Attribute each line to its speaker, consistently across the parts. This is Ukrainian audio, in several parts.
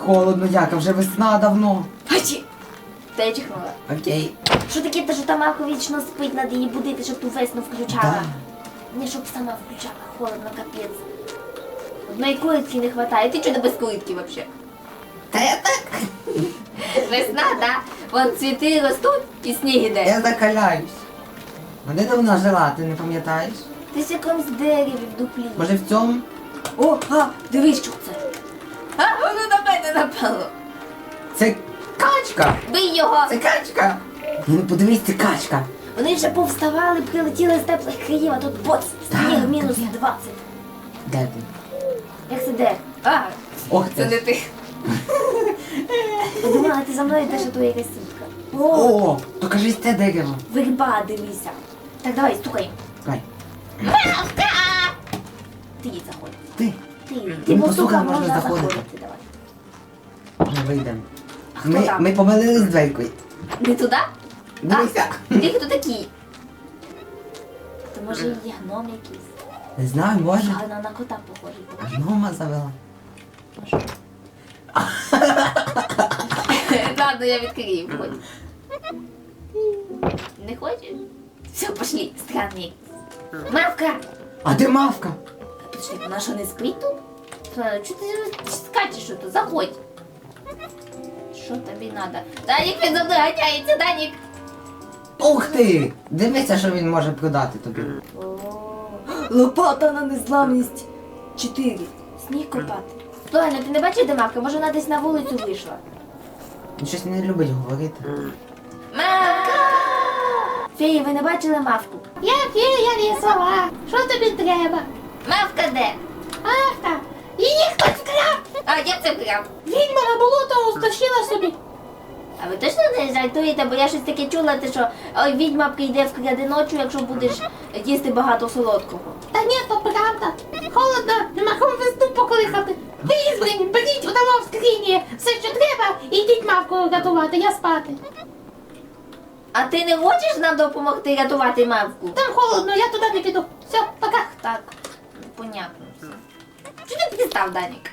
Speaker 1: холодно, яка вже весна давно.
Speaker 2: Ачі! Та я чихнула.
Speaker 1: Окей.
Speaker 2: Що таке, те, що та мавка вічно спить, надо її будити, щоб ту весну включала?
Speaker 1: Да.
Speaker 2: Не, щоб сама включала, холодно, капець. Одної куритки не хватає. Ти чого без куритки вообще?
Speaker 1: Та я так.
Speaker 2: Весна, да? Вон цвіти ростуть і сніг іде.
Speaker 1: Я закаляюсь. А де давно жила, ти не пам'ятаєш?
Speaker 2: Ти в якомусь дереві в дуплі.
Speaker 1: Може в цьому?
Speaker 2: О, дивись, що це. Воно на мене напало.
Speaker 1: Це качка!
Speaker 2: Бий його.
Speaker 1: Це качка! Ну подивись, це качка.
Speaker 2: Вони вже повставали, прилетіли з теплих країв, а тут боц, сніг мінус 20.
Speaker 1: Де ти?
Speaker 2: Як це де? А,
Speaker 1: Ох
Speaker 2: це
Speaker 1: ти.
Speaker 2: не ти. Я думала, ти за мною йдеш, а то якась сітка. О,
Speaker 1: О, то кажись, це дерево.
Speaker 2: верба, дивися. Так, давай, стукай.
Speaker 1: Давай.
Speaker 2: Мавка! Ти їй заходь.
Speaker 1: Ти.
Speaker 2: Ти
Speaker 1: Ну,
Speaker 2: постукав,
Speaker 1: постукав,
Speaker 2: можна
Speaker 1: можна
Speaker 2: заходити.
Speaker 1: заходити.
Speaker 2: Давай.
Speaker 1: Вже вийдемо.
Speaker 2: А хто там?
Speaker 1: Ми помилились дверькою.
Speaker 2: Не туди?
Speaker 1: Дивися.
Speaker 2: Ти хто такий? То може є гном якийсь?
Speaker 1: Не знаю, може.
Speaker 2: Гарно на кота похожий.
Speaker 1: А гнома завела.
Speaker 2: Ладно, я відкрию, входь. Не хочеш? Все, пошли, странний. Мавка!
Speaker 1: А де мавка?
Speaker 2: Подожди, вона що не спить тут? Чого ти скачеш тут? Заходь. Що тобі треба? Данік, він за мною ганяється, Данік!
Speaker 1: Ух ти! Дивися, що він може продати тобі.
Speaker 2: Лопата на незламність 4. Сніг копати. Слухай, ти не бачив, де мавка? Може, вона десь на вулицю вийшла?
Speaker 1: Він щось не любить говорити.
Speaker 2: Мавка! Феї, ви не бачили мавку?
Speaker 3: Я фея лісова. Що тобі треба?
Speaker 2: Мавка де?
Speaker 3: Мавка. Її хтось вкрав.
Speaker 2: А, як це прям?
Speaker 3: Відьма на болото стащила собі.
Speaker 2: А ви точно не жартуєте, бо я щось таке чула, те, що ой, відьма прийде вкраде ночі, якщо будеш їсти багато солодкого.
Speaker 3: Та ні, то правда. Холодно, нема кому весну поколихати. Ви ізбрані, беріть удамо в скрині. Все, що треба, і йдіть мавку рятувати, я спати.
Speaker 2: А ти не хочеш нам допомогти рятувати мавку?
Speaker 3: Там холодно, я туди не піду. Все, пока.
Speaker 2: Так, понятно все. Чи ти пристав, Данік?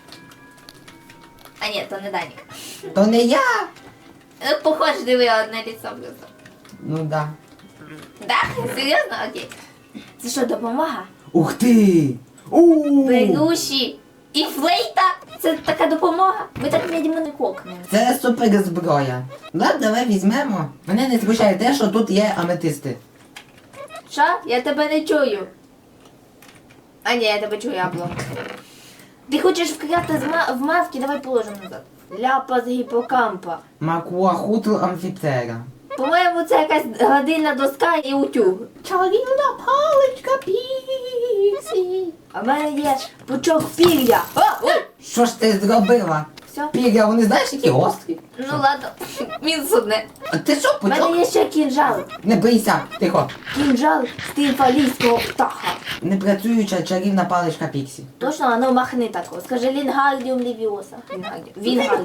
Speaker 2: А ні, то не Данік.
Speaker 1: То не я!
Speaker 2: Ну, похоже, диви одне ліцо просто.
Speaker 1: Ну да.
Speaker 2: Да? Серйозно? Окей. Це що, допомога?
Speaker 1: Ух ти! У!
Speaker 2: Беруші і флейта? Це така допомога? Ми так відьмо не кокнемо.
Speaker 1: Це супер зброя. Да, давай візьмемо. Мене не смущає те, що тут є аметисти.
Speaker 2: Що? Я тебе не чую. А ні, я тебе чую, облом. Ти хочеш вкрати в мавки? Давай положимо назад. Ляпа з гіпокампа.
Speaker 1: Макуахутл амфіптера.
Speaker 2: По-моєму, це якась гладильна доска і утюг.
Speaker 3: Чарівна паличка піксі.
Speaker 2: А в мене є пучок пір'я. Ой!
Speaker 1: Що ж ти зробила?
Speaker 2: Все?
Speaker 1: Пір'я, вони знаєш, які гострі?
Speaker 2: Ну ладно, мінус одне.
Speaker 1: А ти що,
Speaker 2: У мене
Speaker 1: пучок?
Speaker 2: є ще кінжал.
Speaker 1: Не бийся, тихо.
Speaker 2: Кінжал стимфалійського птаха.
Speaker 1: Непрацююча чарівна паличка Піксі.
Speaker 2: Точно, а ну махни тако. Скажи Лінгардіум левіоса. Вінгардіум.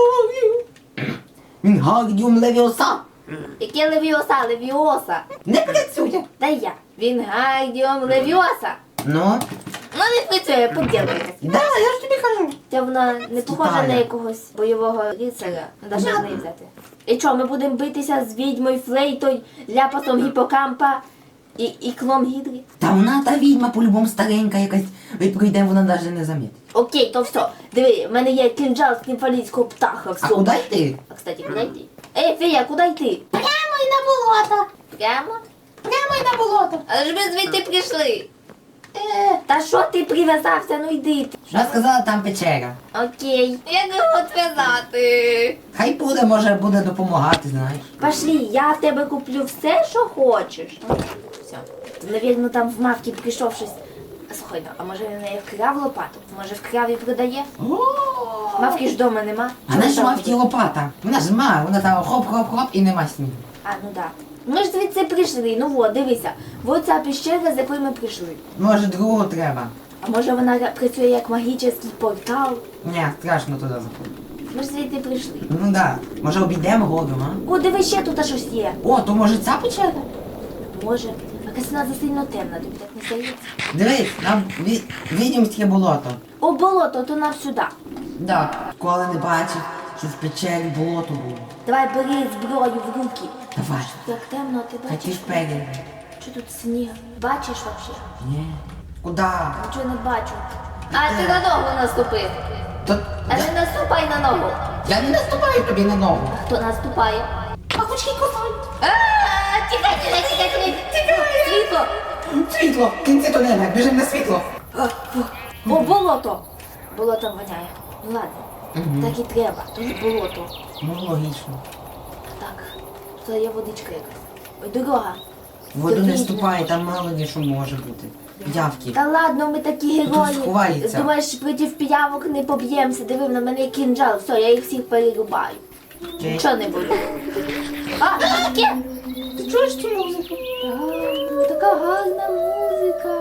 Speaker 1: Вінгардіум левіоса.
Speaker 2: Яке левіоса? Левіоса.
Speaker 1: Не працює.
Speaker 2: Дай я. Вінгардіум левіоса.
Speaker 1: Ну?
Speaker 2: Ну не працює, поділка якась.
Speaker 1: Да, я ж тобі кажу.
Speaker 2: Це вона не похожа
Speaker 1: Стара.
Speaker 2: на якогось бойового рицаря. Треба ж з неї взяти. І що, ми будемо битися з відьмою, флейтою, ляпасом гіпокампа і клом гідри?
Speaker 1: Та вона та відьма по-любому старенька якась. Ми пройдемо, вона навіть не замітить.
Speaker 2: Окей, то все. Диви, в мене є кінжал з кімфалійського птаха.
Speaker 1: А
Speaker 2: Все.
Speaker 1: куди йти?
Speaker 2: А, кстати, куди йти? Ей, Фея, куди йти?
Speaker 3: Прямо й на болото.
Speaker 2: Прямо?
Speaker 3: Прямо й на болото.
Speaker 2: Але ж ми звідти прийшли. Та що ти прив'язався? Ну йди.
Speaker 1: Вона сказала, там печера.
Speaker 2: Окей. Як його зв'язати?
Speaker 1: Хай буде, може буде допомагати, знаєш.
Speaker 2: Пошли, я в тебе куплю все, що хочеш. Все. Навірно, там в мавки прийшов щось. Слухай, ну, а може він в неї вкрав лопату? Може вкрав і продає? Мавки ж вдома нема.
Speaker 1: Вона ж
Speaker 2: Чого
Speaker 1: мав ті лопата. Вона ж ма, вона там хоп-хоп-хоп і нема снігу.
Speaker 2: А, ну так. Ми ж звідси прийшли, ну от, дивися. Ось ця піщера, з якої ми прийшли.
Speaker 1: Може другого треба.
Speaker 2: А може вона працює як магічний портал?
Speaker 1: Ні, страшно туди заходити.
Speaker 2: Ми ж звідти прийшли.
Speaker 1: Ну да. Може обійдемо гором, а?
Speaker 2: О, диви, ще тут щось є.
Speaker 1: О, то може ця печера?
Speaker 2: Може, якась вона засильно темна, тобі так не здається?
Speaker 1: Дивись, нам відьомське болото.
Speaker 2: О, болото, то нам сюди.
Speaker 1: Да. Коли не бачив, що в печері болото було.
Speaker 2: Давай бери зброю в руки.
Speaker 1: Давай.
Speaker 2: Як темно, ти
Speaker 1: А ти
Speaker 2: бачиш?
Speaker 1: ж пегін.
Speaker 2: Що тут сніг? Бачиш взагалі?
Speaker 1: Ні. Куда?
Speaker 2: Нічого не бачу. А ти на ногу наступив.
Speaker 1: То...
Speaker 2: А не наступай на ногу.
Speaker 1: Я не наступаю тобі на ногу.
Speaker 2: Хто наступає?
Speaker 3: Пахучки кусають.
Speaker 2: Тікай, Світло!
Speaker 1: Світло! В кінці тунеля, біжим на світло.
Speaker 2: О, болото! Болото воняє. Ну ладно, так і треба. Тут болото.
Speaker 1: Ну, логічно.
Speaker 2: Так, це є водичка якась. Ой, дорога.
Speaker 1: В воду не
Speaker 2: Терпіть
Speaker 1: вступай, там мало ли що може бути. Явки.
Speaker 2: Та ладно, ми такі
Speaker 1: Тут
Speaker 2: герої.
Speaker 1: сховається.
Speaker 2: Думаєш, проти піявок не поб'ємося. Диви, на мене кінжал. Все, я їх всіх перерубаю.
Speaker 1: Окей.
Speaker 2: Нічого не буде. А, що таке?
Speaker 3: Ти чуєш цю музику?
Speaker 2: Так, така гарна музика.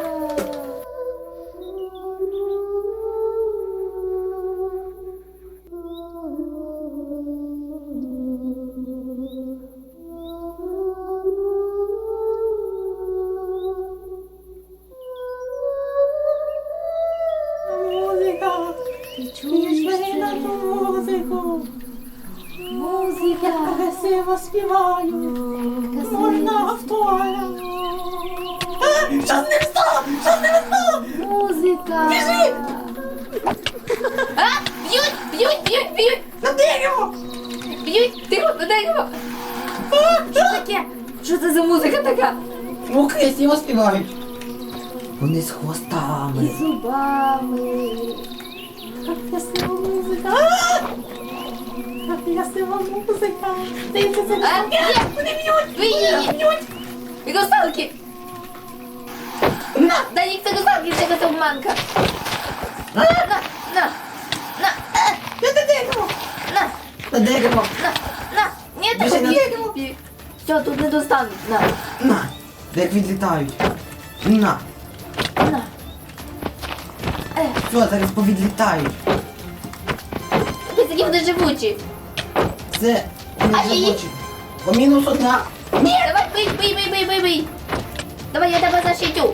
Speaker 3: Музика.
Speaker 2: Ти
Speaker 3: Пішли
Speaker 2: чуєш
Speaker 3: на
Speaker 2: це?
Speaker 3: ту музику.
Speaker 2: Музика.
Speaker 3: Красиво співаю. Можна автора. Що з ним стало? Що з ним стало?
Speaker 2: Музика.
Speaker 3: Біжи!
Speaker 2: А, б'ють.
Speaker 3: На дерево!
Speaker 2: Б'ють, тихо, на дерево. Що таке? Що це за музика така?
Speaker 1: Ну, красиво співають. Вони з
Speaker 2: І
Speaker 1: хвостами.
Speaker 2: зубами.
Speaker 3: Як красива музика. Як красива музика. Дивіться, це
Speaker 2: А, є, вони б'ють. Ви її б'ють. І русалки. На, дай їх це русалки, це якась обманка. На.
Speaker 3: Я на дерево.
Speaker 2: На.
Speaker 1: На дерево.
Speaker 2: Ні,
Speaker 1: Біжи
Speaker 2: так
Speaker 1: на
Speaker 2: дерево. Все, тут не достануть.
Speaker 1: На. Як відлітають. На.
Speaker 2: На.
Speaker 1: Все, зараз повідлітають.
Speaker 2: Ось такі вони живучі.
Speaker 1: Це не
Speaker 2: Ай-яй-яй.
Speaker 1: живучі. По мінус одна.
Speaker 2: Ні, давай, бий. Давай, я тебе защитю.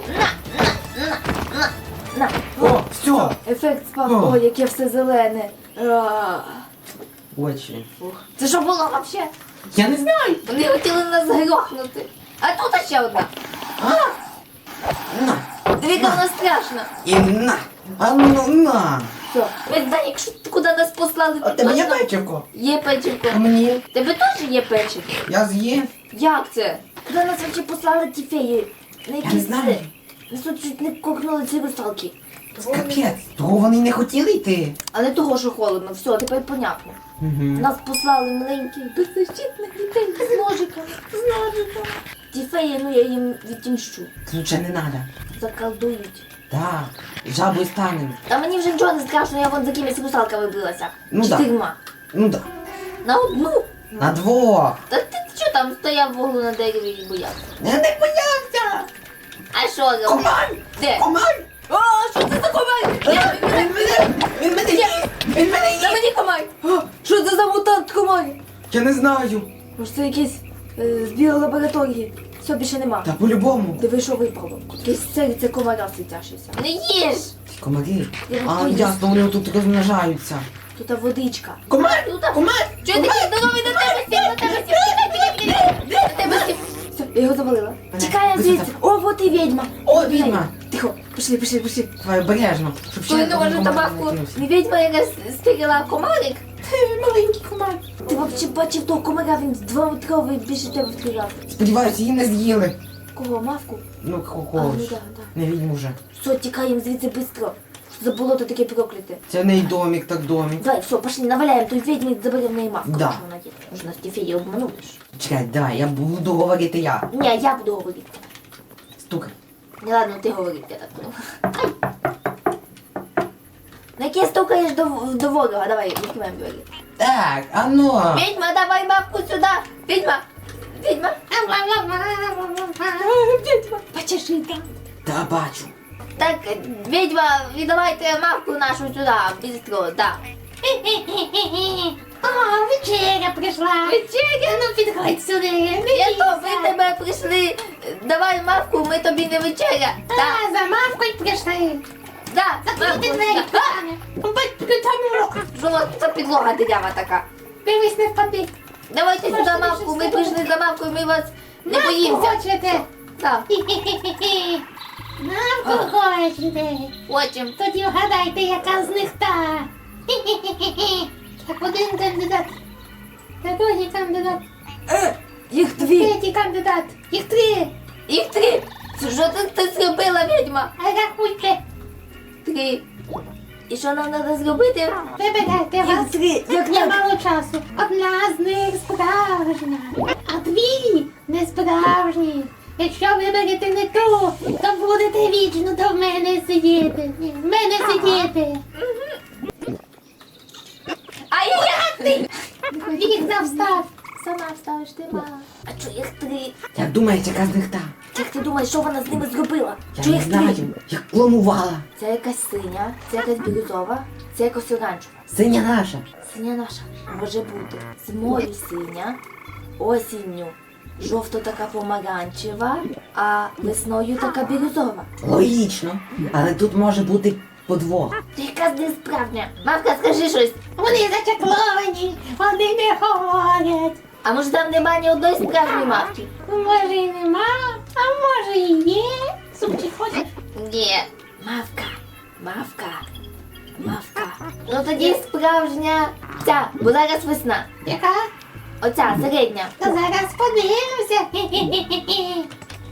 Speaker 2: На.
Speaker 1: О, все.
Speaker 2: Ефект спав.
Speaker 1: О.
Speaker 2: Ой, яке все зелене.
Speaker 1: Очі.
Speaker 2: Це що було вообще?
Speaker 1: Я не знаю.
Speaker 2: Вони хотіли нас грохнути. А тут ще одна.
Speaker 1: На.
Speaker 2: Дивіться, вона страшна.
Speaker 1: І на. А ну на.
Speaker 2: Все. Ви знаєте, якщо куди нас послали,
Speaker 1: А
Speaker 2: то
Speaker 1: тебе є
Speaker 2: точно
Speaker 1: печивко?
Speaker 2: Є печивко.
Speaker 1: А мені?
Speaker 2: Тебе теж є печивко?
Speaker 1: Я з'їв.
Speaker 2: Як це? Куди нас вообще послали ті феї? На
Speaker 1: Я не
Speaker 2: якісь
Speaker 1: знаю.
Speaker 2: Нас тут чуть не кокнули ці русалки.
Speaker 1: Капець. Того вони не хотіли йти.
Speaker 2: А не того, що холодно. Все, тепер понятно.
Speaker 1: Угу.
Speaker 2: Нас послали маленьких беззащитних дітей з ножиками. Ті феї, ну я їм відтімщу.
Speaker 1: Ключа не треба.
Speaker 2: Заколдують.
Speaker 1: Так. Жабою станемо.
Speaker 2: Та мені вже нічого не страшно, я вон за кимось русалками билася.
Speaker 1: Ну да.
Speaker 2: 4.
Speaker 1: Ну да.
Speaker 2: На одну.
Speaker 1: На двох.
Speaker 2: Та ти що там стояв в углу на дереві і боявся?
Speaker 1: Я не боявся.
Speaker 2: А що робив?
Speaker 1: Комар!
Speaker 2: Де?
Speaker 1: Комар!
Speaker 2: О, що це за комар?
Speaker 1: Він мене їсть! Він мене
Speaker 2: Та
Speaker 1: їсть!
Speaker 2: мені комар! О, що це за мутант комар?
Speaker 1: Я не знаю.
Speaker 2: Може це якийсь з біолабораторії. Все, більше нема.
Speaker 1: Та по-любому.
Speaker 2: Диви, що випало. Якесь серце комара світящеся. Не їж!
Speaker 1: Комари.
Speaker 2: Я
Speaker 1: А,
Speaker 2: боюсь.
Speaker 1: ясно, вони тут розмножаються.
Speaker 2: Тут водичка.
Speaker 1: Комар!
Speaker 2: Тут
Speaker 1: Комар!
Speaker 2: Чого ти такий здоровий, на тебе сів, на тебе сів, на тебе сів. Все, я його завалила. Тікаємо звідси. О, вот і відьма.
Speaker 1: О, відьма!
Speaker 2: Тихо, пішли.
Speaker 1: Давай обережно, щоб ще
Speaker 2: Той не може
Speaker 1: комар
Speaker 2: табаку.
Speaker 1: не кинувся.
Speaker 2: Не відьма, яка стирила комарик.
Speaker 3: Маленький комар.
Speaker 2: Ти взагалі бачив того комара, він 2-метровий більше тебе в 3 рази.
Speaker 1: Сподіваюся, її не з'їли.
Speaker 2: Кого, мавку?
Speaker 1: Ну,
Speaker 2: А,
Speaker 1: когось.
Speaker 2: ну да.
Speaker 1: Не відьму вже.
Speaker 2: Все, тікаємо звідси швидко. За болото таке прокляте.
Speaker 1: Це не й домик, так домик.
Speaker 2: Давай, все, пошли, наваляємо той відьмі, заберемо в неї мавку.
Speaker 1: Да.
Speaker 2: Що вона є. Може нас ті феї обманули ж.
Speaker 1: Чекай, давай, я буду говорити я.
Speaker 2: Ні, я буду говорити.
Speaker 1: Стукай.
Speaker 2: Не ладно, ти говори, я так поняла. На яке стукаєш до ворога? Давай, відкриваємо двері.
Speaker 1: Так, а ну.
Speaker 2: Відьма, давай мавку сюди! Відьма! Відьма! Відьма! Почеши там.
Speaker 1: Та бачу.
Speaker 2: Так, відьма, віддавайте мавку нашу сюди, быстро, да.
Speaker 3: О, вечеря прийшла.
Speaker 2: Вечеря?
Speaker 3: Ну, підходь сюди.
Speaker 2: Я то, ви тебе прийшли, давай мавку, ми тобі не вечеря. Да.
Speaker 3: За мавкою прийшли.
Speaker 2: Да,
Speaker 3: Закрийте двері,
Speaker 2: мамко,
Speaker 3: Таня. Таня,
Speaker 2: що це підлога дирява така.
Speaker 3: дивись, не впади.
Speaker 2: Давайте сюди
Speaker 3: Можна
Speaker 2: мавку, ми
Speaker 3: більше
Speaker 2: прийшли за мавкою, ми вас не
Speaker 3: Мавку
Speaker 2: боїмося.
Speaker 3: хочете?
Speaker 2: Так,
Speaker 3: Хі-хі-хі-хі. Мавку хочете?
Speaker 2: хочемо.
Speaker 3: Тоді вгадайте, яка з них та. Хі-хі-хі-хі. Так, один кандидат. Та другий кандидат.
Speaker 2: Їх дві,
Speaker 3: Третій кандидат. Їх три.
Speaker 2: їх три. Що ти зробила, відьма?
Speaker 3: А рахуйте.
Speaker 2: 3. І що нам треба зробити?
Speaker 3: Вибирайте вас.
Speaker 2: три, як
Speaker 3: Є мало часу. Одна з них справжня, а дві не справжні. Якщо виберете не ту, то будете вічно до мене сидіти. Ні, в мене сидіти.
Speaker 2: Ай-яй-яй!
Speaker 3: Вікна встав.
Speaker 2: Сама вставиш ти, мама. А чого їх 3?
Speaker 1: Як думаєш, яка з них та?
Speaker 2: Як ти думаєш, що вона з ними зробила?
Speaker 1: Я
Speaker 2: Чого
Speaker 1: не
Speaker 2: їх 3?
Speaker 1: знаю, як планувала.
Speaker 2: Це якась синя, це якась бірюзова, це якась оранжева.
Speaker 1: Синя наша.
Speaker 2: Синя наша може бути зимою синя, осінню жовто така помаранчева, а весною така бірюзова.
Speaker 1: Логічно. Але тут може бути подвох.
Speaker 2: Ти якась несправжня. Мавка, скажи щось.
Speaker 3: Вони зачакловані, вони не говорять.
Speaker 2: А може там нема ні одної справжньої мавки?
Speaker 3: Може і нема, а може і є. Супчик хочеш?
Speaker 2: Ні. Мавка. Мавка. Мавка. Ну тоді справжня ця, бо зараз весна.
Speaker 3: Яка?
Speaker 2: Оця, середня.
Speaker 3: Та зараз подивимося. Хі-хі-хі-хі.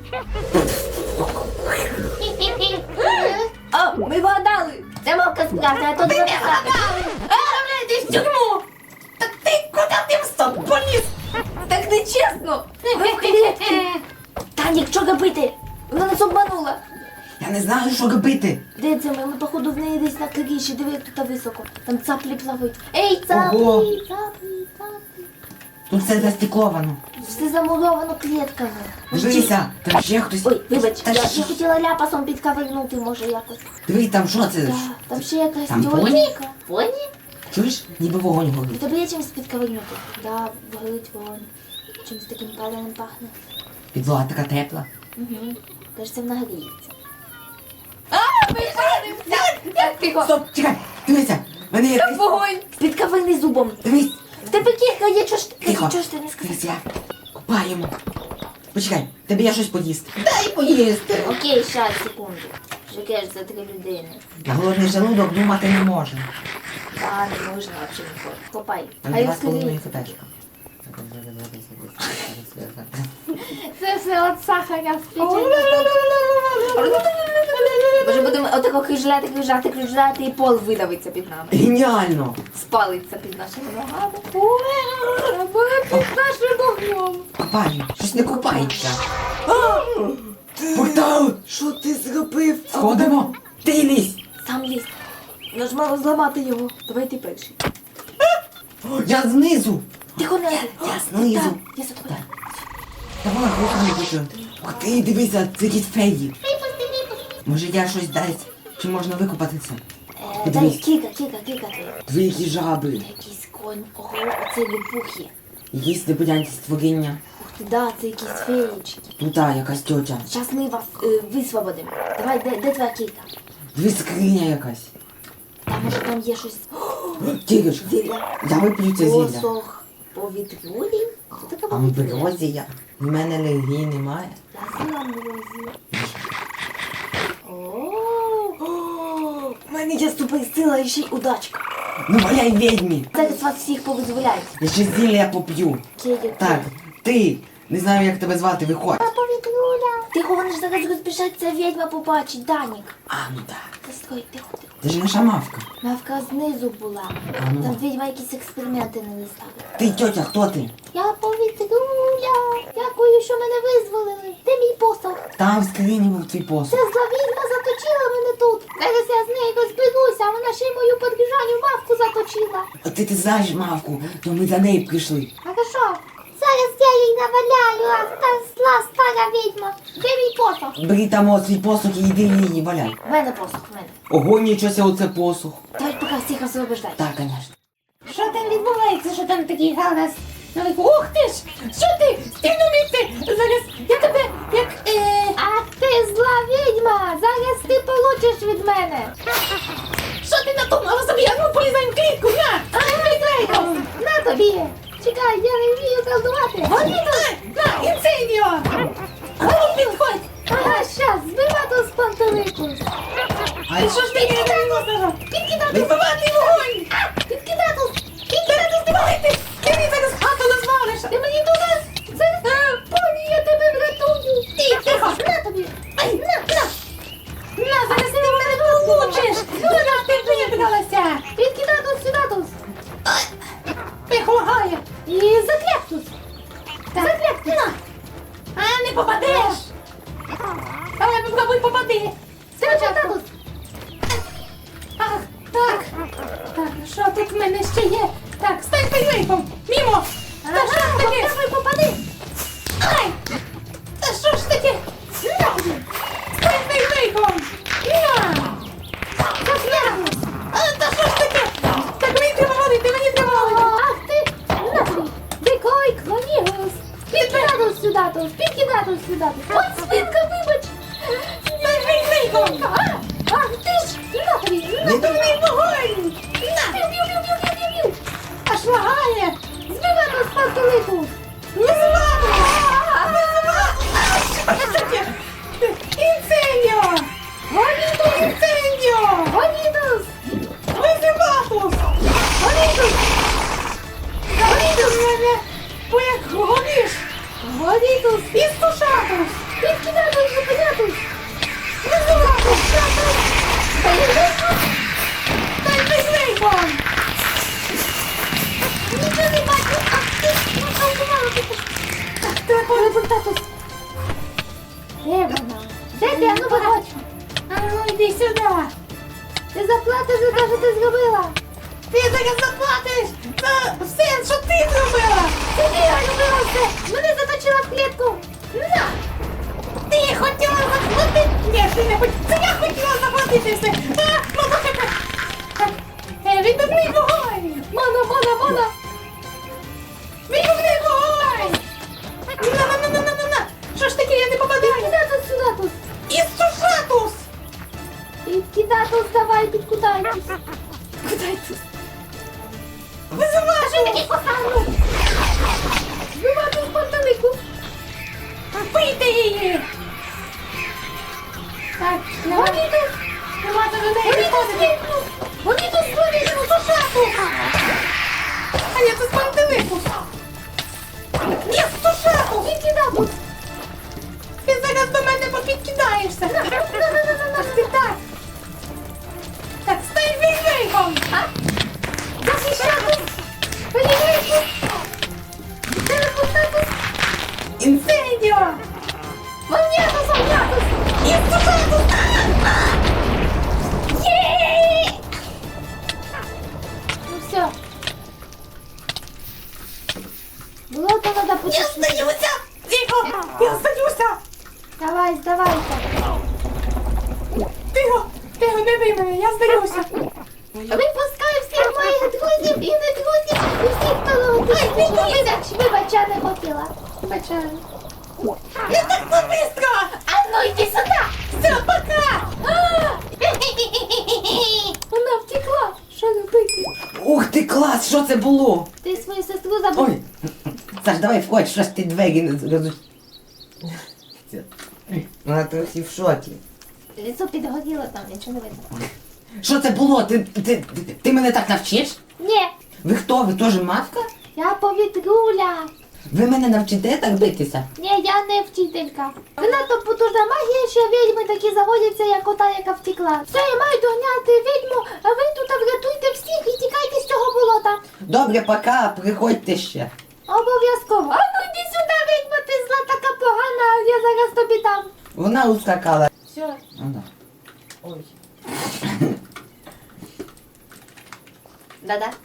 Speaker 3: Хі-хі-хі.
Speaker 2: О, ми вгадали. Це мавка справжня, а то не
Speaker 3: Відправляйтесь в тюрму.
Speaker 1: Та ти куди ти встав? Поліз!
Speaker 2: Так нечесно. Ви в клітці. Танік, що робити? Вона нас обманула.
Speaker 1: Я не знаю, що робити.
Speaker 2: Де це ми? Ми, походу, в неї десь на криші. Диви, як тут високо. Там цаплі плавають. Ей, цаплі,
Speaker 1: Ого.
Speaker 2: цаплі, цаплі.
Speaker 1: Тут все застікловано.
Speaker 2: Все замуровано клітками.
Speaker 1: Дивися, там ще хтось.
Speaker 2: Ой, вибач,
Speaker 1: Та
Speaker 2: я
Speaker 1: що?
Speaker 2: хотіла ляпасом підкавернути, може, якось.
Speaker 1: Диви, там що це?
Speaker 2: Так, там ще якась
Speaker 1: Там
Speaker 2: тьотя.
Speaker 1: поні?
Speaker 2: Поні?
Speaker 1: Чуєш? Ніби вогонь
Speaker 2: У
Speaker 1: горить.
Speaker 2: тебе є чимось підкавернути? Да, горить вогонь. Чимось таким паленим пахне.
Speaker 1: Підлога така тепла.
Speaker 2: Угу. Кажеться, вона гріється. А, ми жаримося! Так, тихо.
Speaker 1: Стоп, чекай, дивися, в мене є
Speaker 2: Там
Speaker 1: десь.
Speaker 2: вогонь. Підкаверни зубом.
Speaker 1: Дивись,
Speaker 2: В тебе кілька є, чого ж ти
Speaker 1: тихо.
Speaker 2: чого ж ти не сказав?
Speaker 1: Дивись, я купаємо. Почекай, тобі я щось поїсти. Дай поїсти.
Speaker 2: Окей, щас, секунду. Жекеш за 3 людини.
Speaker 1: Я голодний желудок думати не може.
Speaker 2: Та, не можна взагалі ніколи. Копай.
Speaker 1: Там
Speaker 2: Хай
Speaker 1: 2,5
Speaker 2: розкриється.
Speaker 1: фотечка.
Speaker 3: Це все от сахаря
Speaker 2: Може будемо отако кружляти і пол видавиться під нами.
Speaker 1: Геніально!
Speaker 2: Спалиться під нашими ногами. Під нашим вогнем.
Speaker 1: Копаємо. Щось не купається. Портал!
Speaker 2: Що ти зробив?
Speaker 1: Сходимо. Ти лізь.
Speaker 2: Сам ліз. Нажмало зламати його. Давай ти перший.
Speaker 1: Я знизу.
Speaker 2: Тихо не.
Speaker 1: Я знизу.
Speaker 2: Так, я за тобою.
Speaker 1: Давай, рухай хочу. Ух ти, дивися, це якісь феї. Може я щось дасть? Чи можна викупатися?
Speaker 2: Дай
Speaker 1: Подивись.
Speaker 2: кіка.
Speaker 1: Дві які жаби.
Speaker 2: Якийсь конь. Ого, оце випухи.
Speaker 1: Якісь непонятні створіння.
Speaker 2: Ух ти, да, це якісь феєчки.
Speaker 1: Тут якась тьотя.
Speaker 2: Зараз ми вас висвободимо. Давай, де твоя кілька?
Speaker 1: Дві скриня якась.
Speaker 2: Там може там є щось.
Speaker 1: Тігиш,
Speaker 2: Зілля.
Speaker 1: я вип'ю це зілля.
Speaker 2: Посох повітрюлі. Що таке
Speaker 1: Амброзія. В мене алергії немає.
Speaker 2: Я зіла амброзію. У мене є суперсила і ще й удачка.
Speaker 1: Ну валяй відьмі.
Speaker 2: Зараз вас всіх повизволяють.
Speaker 1: Я ще зілля поп'ю. Так, ти. Не знаю, як тебе звати, виходь.
Speaker 2: Повітрюля. Тихо, вони ж зараз розбіжаться, відьма побачить, Данік.
Speaker 1: А, ну так.
Speaker 2: Та стой, тихо.
Speaker 1: Це ж наша мавка.
Speaker 2: Мавка знизу була.
Speaker 1: А ну.
Speaker 2: Там відьма якісь експерименти не ставить.
Speaker 1: Ти, тьотя, хто ти?
Speaker 2: Я повітрюля. Дякую, що мене визволили. Де мій посох?
Speaker 1: Там в скрині був твій посуд.
Speaker 2: Ця зла відьма заточила мене тут. Зараз я з нею розберуся, а вона ще й мою подріжаню мавку заточила.
Speaker 1: А ти знаєш мавку, то ми за нею прийшли.
Speaker 2: Хорошо. Зараз я їй наваляю, а та зла стара відьма. Де мій посох?
Speaker 1: Бери там от свій посух і йди її валяй.
Speaker 2: В мене посох, в мене.
Speaker 1: Ого, нічого ся оце посух.
Speaker 2: Давай поки всіх освобождай.
Speaker 1: Так, звісно.
Speaker 3: Що там відбувається, що там такий галас? Ух ти ж! Що ти? Стій на місці! Зараз я тебе як... Ах ти
Speaker 2: зла відьма! Зараз ти получиш від мене!
Speaker 3: Що ти надумала собі? А ну полізай в клітку, на!
Speaker 2: На тобі! Чекай, я не вмію колдувати!
Speaker 3: На, інцидіо! Ану, підходь!
Speaker 2: Ага, щас, збивати з пантелику!
Speaker 1: А
Speaker 3: Що ж ти не виносила? Відбивати вогонь!
Speaker 2: Підкидатус!
Speaker 3: Підкидати здивалити! Ти мені зараз хату розвалиш!
Speaker 2: Ти мені туди! Поні, я тебе врятую!
Speaker 3: Тихо!
Speaker 2: На тобі!
Speaker 3: Ай, на! На, зараз ти в мене получиш! Зараз ти вибралася!
Speaker 2: Підкидатус, сюдатус!
Speaker 3: Тихо, лагає!
Speaker 2: І закляктус!
Speaker 3: Закляк, на! А, не попадеш! Але попробуй попади!
Speaker 2: Закляктус!
Speaker 3: Ах, так! Так, що тут в мене ще є? Так, стань пейвейком! Мімо! Та що ж таке?
Speaker 2: Давай, попади!
Speaker 3: Ай! Та що ж таке? Стань пейвейком! На!
Speaker 2: Закляктус!
Speaker 3: А, та що ж таке? Так мені треба водити, мені треба водити!
Speaker 2: Ах ти! На тобі! Дикой клонігус! Підкидатус, сюдатус! Підкидатус, сюдатус! Ой, свинка, вибач!
Speaker 3: Стань пейвейком!
Speaker 2: Ах ти ж! На тобі! На!
Speaker 3: Відбивний вогонь! На!
Speaker 2: Б'ю-б'ю-б'ю-б'ю-б'ю-б'ю!
Speaker 3: Аж лагає!
Speaker 2: Збивати з пантелику!
Speaker 3: Визивати! Визивати! А, що таке? Інцендіо!
Speaker 2: Гонітус!
Speaker 3: Інцендіо!
Speaker 2: Гонітус!
Speaker 3: Визиватус!
Speaker 2: Гонітус!
Speaker 3: Гонітус мене! Бо як гониш!
Speaker 2: Гонітус!
Speaker 3: Істушатус!
Speaker 2: Підкидатус, зупинятус!
Speaker 3: Визиватус! Дай пейвейком!
Speaker 2: Нічого не бачу! Ах ти! Наколдувала ти!
Speaker 3: Так, треба результатус!
Speaker 2: Де вона? Де ти? А ну виходь!
Speaker 3: А ну йди сюди!
Speaker 2: Ти заплатиш за те, що ти зробила!
Speaker 3: Ти зараз заплатиш за все, що ти зробила!
Speaker 2: Це ти я робила все! Мене заточила в клітку! На!
Speaker 3: Ти хотіла заплатити! Ні, ти не хотіла! Це я хотіла заплатити все! А, мама, так! Відбивний вогонь!
Speaker 2: Мона!
Speaker 3: Відбивний вогонь! На! Що ж таке, я не попадаю?
Speaker 2: Підкидатус, сюдатус!
Speaker 3: Істушатус!
Speaker 2: Підкидатус, давай, підкудайтесь!
Speaker 3: Кудайтус! Визивашу!
Speaker 2: Ану! Збивати з пантелику!
Speaker 3: Бийте її! Так,
Speaker 2: Гонітус!
Speaker 3: нема до людей
Speaker 2: Гонітус,
Speaker 3: виходити!
Speaker 2: вікну! Гонітус, вивіш!
Speaker 3: Істушатус! А я тут пантеликус! Істушатус!
Speaker 2: Підкидатус!
Speaker 3: Ти зараз до мене попідкидаєшся! Ах ти так! Так, стань війвейком!
Speaker 2: Захищатус! Вивіш! Телепортатус!
Speaker 3: Інцендіо!
Speaker 2: Вогнятус, огнятус!
Speaker 3: Істушатус! Є!
Speaker 2: Ну все. Було то надо
Speaker 3: Я
Speaker 2: почистити.
Speaker 3: здаюся! Тихо! Я здаюся!
Speaker 2: Давай, здавайся.
Speaker 3: Тихо, не бий мене, я здаюся!
Speaker 2: Випускай всіх моїх друзів і не друзів, і всіх, хто вибач, я не хотіла. Вибачаю.
Speaker 3: Не так то быстро!
Speaker 2: А ну йди сюди!
Speaker 3: Все, пока!
Speaker 2: Вона втекла. Що робити?
Speaker 1: Ух ти, клас, що це було?
Speaker 2: Ти свою сестру забув.
Speaker 1: Ой, Саш, давай входь, що ж ти двері не розу... Вона трохи в шокі.
Speaker 2: Лицо підгоріло там, нічого не видно.
Speaker 1: Що це було? Ти мене так навчиш?
Speaker 2: Ні,
Speaker 1: Ви хто? Ви теж мавка?
Speaker 2: я повітруля.
Speaker 1: Ви мене навчите так битися?
Speaker 2: Ні, я не вчителька. Вона то потужна магія, що відьми такі заводяться, як ота, яка втекла. Все, я маю доганяти відьму, а ви тут врятуйте всіх і тікайте з цього болота.
Speaker 1: Добре, пока, приходьте ще.
Speaker 2: Обов'язково. А ну йди сюди, відьма, ти зла така погана, я зараз тобі дам.
Speaker 1: Вона ускакала.
Speaker 2: Все.
Speaker 1: Ага. Ой.
Speaker 2: Да-да.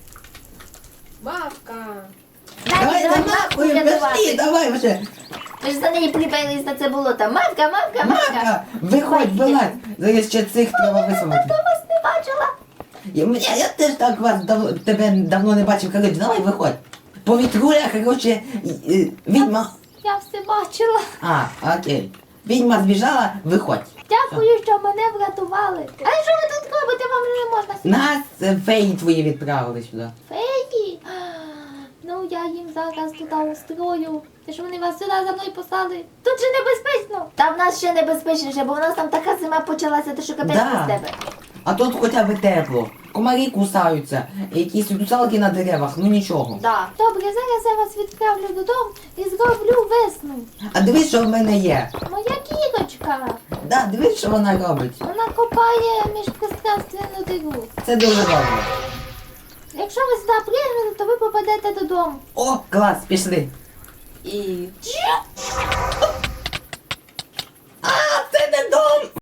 Speaker 3: Мавка!
Speaker 1: Давай, нахуй, пошли, давай вже.
Speaker 2: Ви ж за неї приперлись на це болото. Мавка.
Speaker 1: Мавка, виходь, вилазь. Зараз ще цих треба висунути.
Speaker 2: Я вас не бачила.
Speaker 1: Я теж так тебе давно не бачив. Короче, давай виходь. Повітруля, короче, відьма.
Speaker 2: Я все бачила.
Speaker 1: А, окей. відьма збіжала, виходь.
Speaker 2: Дякую, що мене врятували. Але що ви тут робите? Вам же не можна сюди.
Speaker 1: Нас феї твої відправили сюди.
Speaker 2: Феї? Ну, я їм зараз туди устрою. Те, що вони вас сюди за мною послали. Тут же небезпечно. Та в нас ще небезпечніше, бо в нас там така зима почалася, ти що капець
Speaker 1: Да.
Speaker 2: без тебе.
Speaker 1: А тут хоча б тепло. Комарі кусаються, якісь русалки на деревах, ну нічого.
Speaker 2: Да. Добре, зараз я вас відправлю додому і зроблю весну.
Speaker 1: А дивись, що в мене є.
Speaker 2: Моя кіночка.
Speaker 1: Да, дивись, що вона робить.
Speaker 2: Вона копає міжпространственну диру.
Speaker 1: Це дуже добре.
Speaker 2: Якщо ви сюди прийдете, то ви попадете додому.
Speaker 1: О, клас, пішли.
Speaker 2: І...
Speaker 1: А, це не дом!